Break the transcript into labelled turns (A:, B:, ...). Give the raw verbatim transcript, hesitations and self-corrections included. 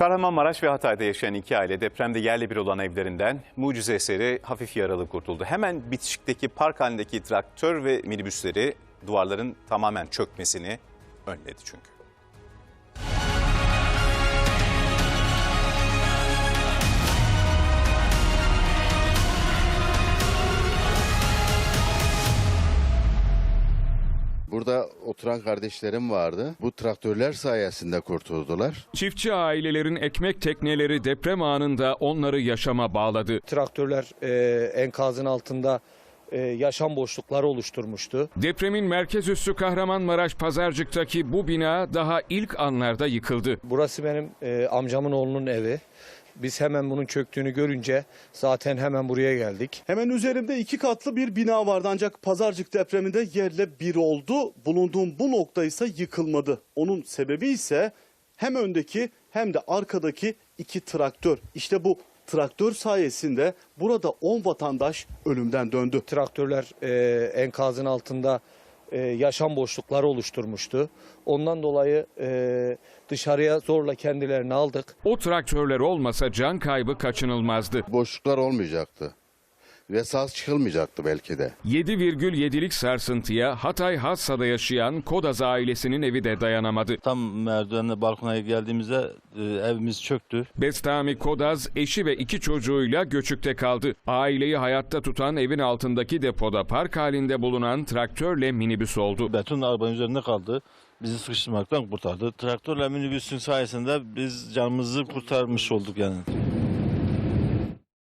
A: Kahramanmaraş ve Hatay'da yaşayan iki aile depremde yerle bir olan evlerinden mucize eseri hafif yaralı kurtuldu. Hemen bitişikteki park halindeki traktör ve minibüsleri duvarların tamamen çökmesini önledi çünkü.
B: Burada oturan kardeşlerim vardı. Bu traktörler sayesinde kurtuldular.
C: Çiftçi ailelerin ekmek tekneleri deprem anında onları yaşama bağladı.
D: Traktörler e, enkazın altında e, yaşam boşlukları oluşturmuştu.
C: Depremin merkez üssü Kahramanmaraş Pazarcık'taki bu bina daha ilk anlarda yıkıldı.
D: Burası benim e, amcamın oğlunun evi. Biz hemen bunun çöktüğünü görünce zaten hemen buraya geldik.
E: Hemen üzerimde iki katlı bir bina vardı ancak Pazarcık depreminde yerle bir oldu. Bulunduğum bu nokta ise yıkılmadı. Onun sebebi ise hem öndeki hem de arkadaki iki traktör. İşte bu traktör sayesinde burada on vatandaş ölümden döndü.
D: Traktörler e, enkazın altında e, yaşam boşlukları oluşturmuştu. Ondan dolayı e, dışarıya zorla kendilerini aldık.
C: O traktörler olmasa can kaybı kaçınılmazdı.
B: Boşluklar olmayacaktı ve sağ çıkılmayacaktı belki de.
C: yedi virgül yedilik sarsıntıya Hatay Hassa'da yaşayan Kodaz ailesinin evi de dayanamadı.
F: Tam merdivenle balkona geldiğimizde e, evimiz çöktü.
C: Bestami Kodaz eşi ve iki çocuğuyla göçükte kaldı. Aileyi hayatta tutan evin altındaki depoda park halinde bulunan traktörle minibüs oldu.
F: Beton arabanın üzerinde kaldı. Bizi sıkıştırmaktan kurtardı. Traktörle minibüsün sayesinde biz canımızı kurtarmış olduk yani.